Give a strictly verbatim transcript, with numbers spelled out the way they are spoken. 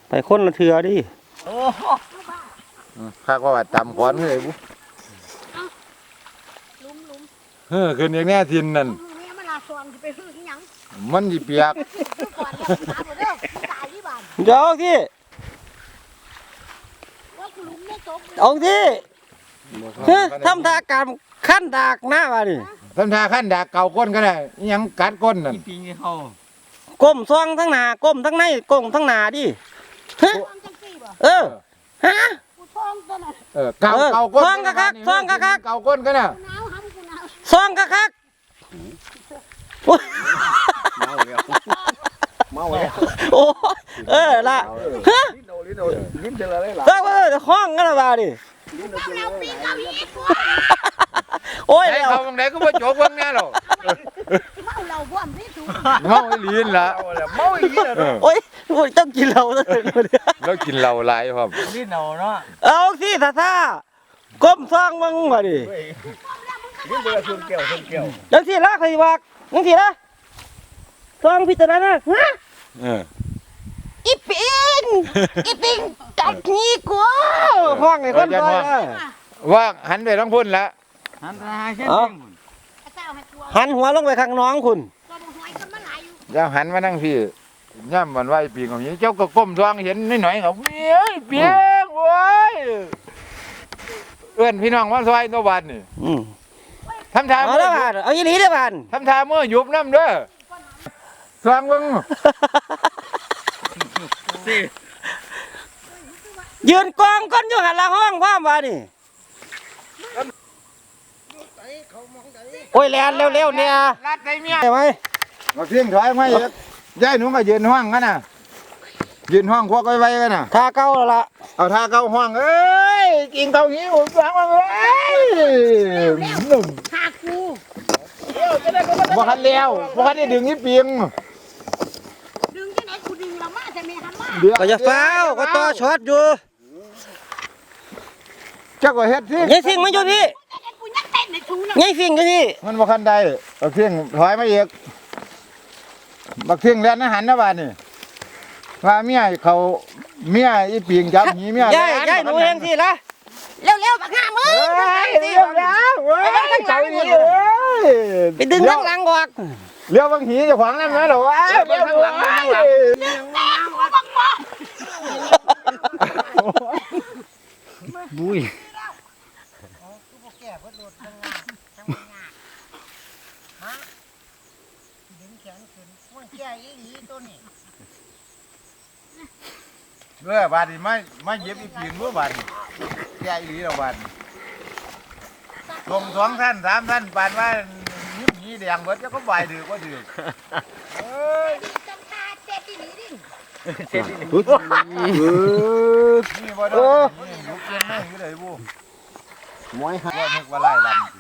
ไปคนละเถื่อดิข้าก็ว่าจำก้อนเลยบุเฮ้อคืนอย่างแน่ทินนั่นมันจีเปียกเดี๋ยวที่เอาที่ทำทาการขั้นดากหน้ามาดิทำทาขั้นดากเก่าก้นก็ได้ยังกัดก้นนั่นก้มซองทั้งหน้าก้มทั้งในก้มทั้งหน้าดิเออฮะเออเก่าเก่าก้นซองกะคักซองกะคักเก่าก้นก็น่ะซองกะคักเมาแล้วเมาแล้วโอ้เออละฮะลิ้นโดลิ้นโดลิ้นเจออะไรล่ะเออห้องกันละบาดิโอ้ยเขาบางไหนก็มาโจกบางแน่หรอเมาเราบ่มที่สุดเมาลิ้นละเมาอีกแล้วโอ้ยโอ้ยต้องกินเหล้าแล้วแล้วกินเหล้าหลายครับลิ้นเอาเนาะเอาสิท่าท่าก้มซองมึงมาดิลิ้นเดือดชนแก้วชนแก้วแล้วสิละใครบอกยังสิละซองพิจารณาฮะอีปิงอีปิงกัดนี่กูห้องไอ้คนซอยว่าหันไปทั้งพุ่นละหันไปหาเส้นหันหัวลงไปข้างน้องคุณอย่าหันมานั่งพี่ย่ำมันไหวปีของนี้เจ้าก็ก้มท้องเห็นนิดหน่อยเขาเปียกเปียกโว้ยเอื้อนพี่น้องว่าซอยตัวบันนี่ทำทาเอาละบานเอายี่หลีได้บานทำทาเมื่อยุบน้ำเด้อสร้างมึงยืนกองก้นอยู่หันละห้องพ่อมาดิโอ้ยแลนเร็วๆเนี่ยรัดได้เมียใช่ไหมมาเพียงถอยไม่เยอะย่ายหนูก็ยืนห้องกันน่ะยืนห้องพวกไว้กันน่ะท่าเก้าแล้วล่ะเอาท่าเก้าห้องเอ้ยกินเก้าหิวฟังมาเลยหนุ่มหากูบ่คันเลี้ยวบ่คันได้ดึงนี่เปียงดึงที่ไหนกูดึงเรามาจะมีทำมาก็จะเฝ้าก็ต่อช็อตอยู่เจ้าก็เฮ็ดสิยัยฟิงมันอยู่พี่ยัยฟิงอยู่พี่มันบ่คันใดบักเที่ยงถอยมาอีกบักเที่ยงแล่นอาหารนะบาดนี่ว่าเมียเขาเมียอีเปียงจับหีเมียย่ายย่ายหนูเองสิล่ะเร็วๆบักห้ามือเร็วแล้วเว้ยเจ้าอีเอ้ยไปดึงข้างหลังออกเลี้ยวบางหีจะขวางนั่นนะหรอวะเลี้ยวข้างหลังบุ้ยเมื่อบาดนี่ไม่ไม่เย็บอีปีนเมื่อบาดแก่อีหลีเราบาดลงสองท่านสามท่านปานว่ายิ้มหีแดงเบิดจะก็ใบถือก็ถือเฮ้ยเจ็ดที่นี่ดิเจ็ดที่นี่นี่บ่ได้นี่ยุกเกินไม่คือเลยบูมวยฮะว่านึกว่าไล่ลำ